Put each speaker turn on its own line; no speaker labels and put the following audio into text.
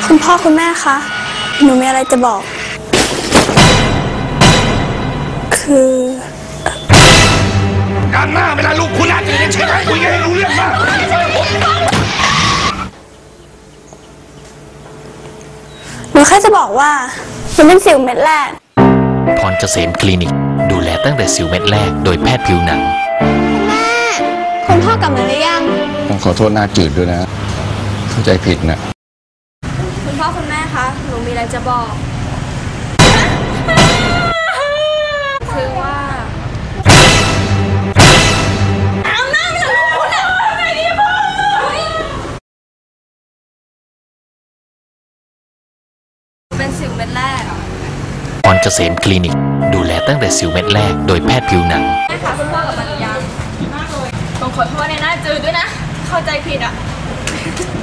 คุณพ่อคุณแม่คะหนูมีอะไรจะบอกคือ
การหน้าเวลาลูกคุณอาจจะยังใช่ไหมคุยกันให้รู้เรื่องมาก
หนูแค่จะบอกว่าหนูเป็นสิวเม็ดแรก
พรเกษมคลินิกดูแลตั้งแต่สิวเม็ดแรกโดยแพทย์ผิวหนัง
คุณพ่อกลับมาหรือยัง
ต้องขอโทษหน้าจืดด้วยนะเข้าใจผิดนะ
คุณพ่อคุณแม่คะหนูมีอะไรจะบอกคือว่าเป็นสิวเม็ดแรก
พรเกษมคลินิกดูแลตั้งแต่สิวเม็ดแรกโดยแพทย์ผิวหนัง
แม่คะคุณพ่อกลับมาหรือยังต้องขอโทษในหน้าจืดด้วยนะเข้าใจผิดอ่ะ